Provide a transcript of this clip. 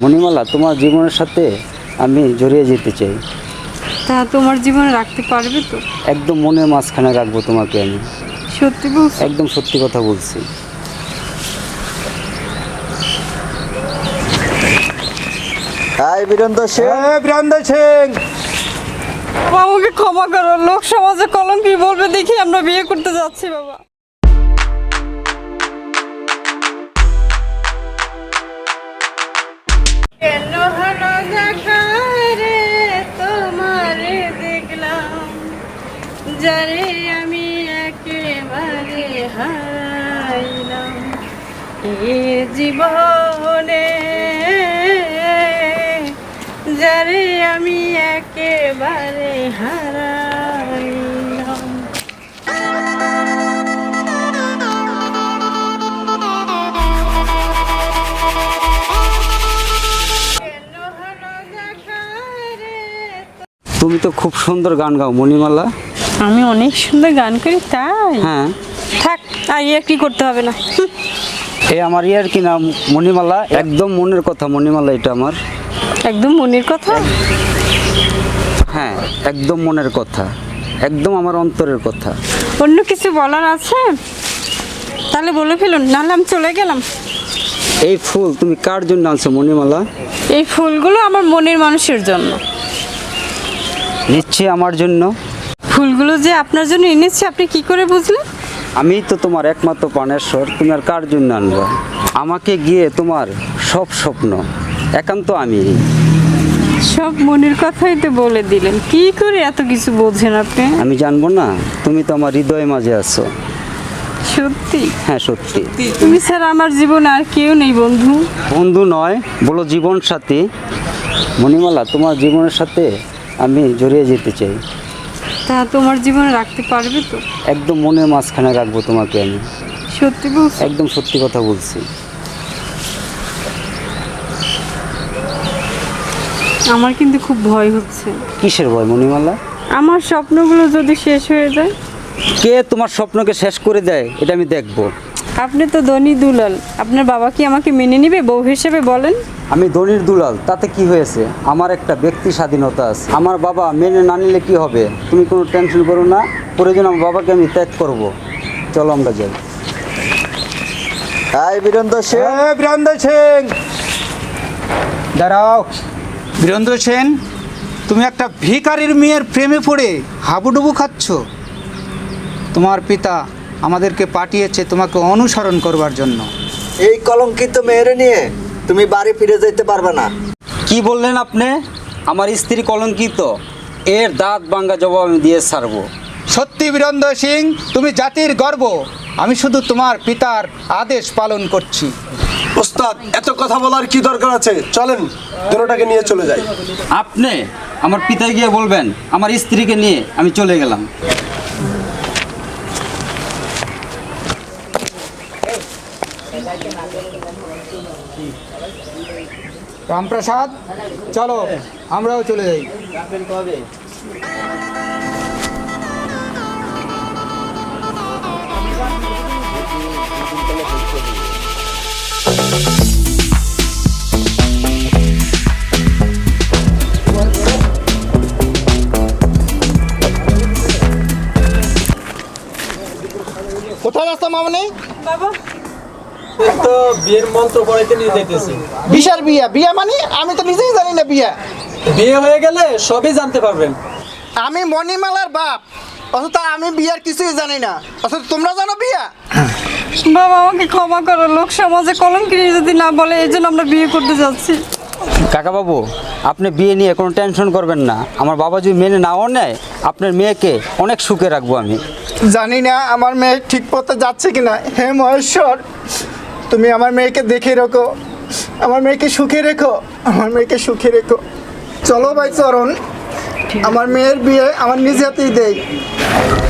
মণিমালা, তোমার জীবনের সাথে আমি জড়িয়ে যেতে চাই। তা তোমার জীবনে রাখতে পারবে তো? একদম মনের মাঝখানে রাখবো তোমাকে আমি। সত্যি বলছো? একদম সত্যি কথা বলছি। হাই বীরেন্দ্র সিং। বীরেন্দ্র সিং, বাবা, আমাকে ক্ষমা করো। লোক সমাজে কলঙ্কি বলবে দেখি আমরা বিয়ে করতে যাচ্ছি বাবা। কেন হলো দেখা রে তোমারে দেখলাম, যারে আমি একেবারে হারাইলাম এ জীবনে, যারে আমি একেবারে হারাইলাম। তুমি তো খুব সুন্দর গান গাও মণিমালা। আমি অনেক সুন্দর গান করি তাই? হ্যাঁ। থাক, আর ইয়ে কি করতে হবে না। এই আমার ইয়ার কি নাম মণিমালা, একদম মনের কথা মণিমালা, এটা আমার একদম মনের কথা। হ্যাঁ, একদম মনের কথা, একদম আমার অন্তরের কথা। অন্য কিছু বলার আছে তাহলে বলে ফেলুন, নাহলে আমি চলে গেলাম। এই ফুল তুমি কার জন্য আনছো মণিমালা? এই ফুলগুলো আমার মনের মানুষের জন্য। নিশ্চয়ই আমার জন্য। ফুলগুলো যে আপনার জন্য এনেছি আপনি কি করে বুঝলেন? আমি তো তোমার একমাত্র প্রাণেশ্বর, তুমি আর কার জন্য আনবা? আমাকে গিয়ে তোমার সব স্বপ্ন একান্ত আমি। সব মনের কথাই তো বলে দিলেন, কি করে এত কিছু বোঝেন আপনি? আমি জানবো না? তুমি তো আমার হৃদয়ের মাঝে আছো। সত্যি? হ্যাঁ সত্যি। তুমি ছাড়া আমার জীবনে আর কেউ নেই বন্ধু। বন্ধু নয়, বলো জীবন সাথী। মণিমালা, তোমার জীবনের সাথে আমি জড়িয়ে যেতে চাই। তা তোমার জীবনে রাখতে পারবে তো? একদম মনের মাঝখানে রাখবো তোমাকে আমি। সত্যি বলছো? একদম সত্যি কথা বলছি। আমার কিন্তু খুব ভয় হচ্ছে। কিসের ভয় মণিমালা? আমার স্বপ্নগুলো যদি শেষ হয়ে যায়। কে তোমার স্বপ্নকে শেষ করে দেয় এটা আমি দেখবো। আপনি তো ধনী দুলাল, আপনার বাবা কি আমাকে মেনে নিবে বউ হিসেবে বলেন? আমি ধনির দুলাল, তাতে কি হয়েছে? আমার একটা ব্যক্তি স্বাধীনতা আছে। আমার বাবা মেনে না নিলে কি হবে? তুমি কোনো টেনশন করো না, প্রয়োজন আমার বাবাকে আমি ত্যাগ করব। চলো আমরা যাই। হাই বীরেন্দ্র সিং। বীরেন্দ্র সিং, দাঁড়াও। বীরেন্দ্র সেন, তুমি একটা ভিখারির মেয়ের প্রেমে পড়ে হাবুডুবু খাচ্ছ। তোমার পিতা আমাদেরকে পাঠিয়েছে তোমাকে অনুসরণ করবার জন্য। এই কলঙ্কিত মেয়েরে নিয়ে তুমি বাড়ি ফিরে যেতে পারবে না। কি বললেন আপনি? আমার স্ত্রী কলঙ্কিত? এর দাঁত ভাঙা জবাব আমি দিয়ে ছাড়বো। সত্যি বীরেন্দ্র সিং, তুমি জাতির গর্ব। আমি শুধু তোমার পিতার আদেশ পালন করছি। ওস্তাদ, এত কথা বলার কি দরকার আছে? চলেন দুটোটাকে নিয়ে চলে যাই। আপনি আমার পিতায় গিয়ে বলবেন আমার স্ত্রীকে নিয়ে আমি চলে গেলাম। রামপ্রসাদ, চলো আমরাও চলে যাই। কোথায় যাচ্ছ মামনি? বাবা, তো বিয়ের মন্ত্র পড়াইতে নিয়ে যাইতেছি। বিশাল বিয়া? বিয়া মানে আমি তো নিজেই জানি না বিয়া। বিয়ে হয়ে গেলে সবই জানতে পারবেন। আমি মণিমালার বাপ, অথচ আমি বিয়ার কিছুই জানি না, অথচ তোমরা জানো বিয়া? বাবা আমাকে ক্ষমা করো। লোক সমাজে কলঙ্কি যদি না বলে এই জন্য আমরা বিয়ে করতে যাচ্ছি। কাকা বাবু, আপনি বিয়ে নিয়ে কোনো টেনশন করবেন না। আমার বাবা যদি মেনে নাও নেয়, আপনার মেয়েকে অনেক সুখে রাখবো আমি। জানি না আমার মেয়ে ঠিক পথে যাচ্ছে কিনা। হে মহেশ্বর, তুমি আমার মেয়েকে দেখে রেখো, আমার মেয়েকে সুখে রেখো, আমার মেয়েকে সুখে রেখো। চলো ভাই চরণ, আমার মেয়ের বিয়ে আমার নিজ হাতেই দেই।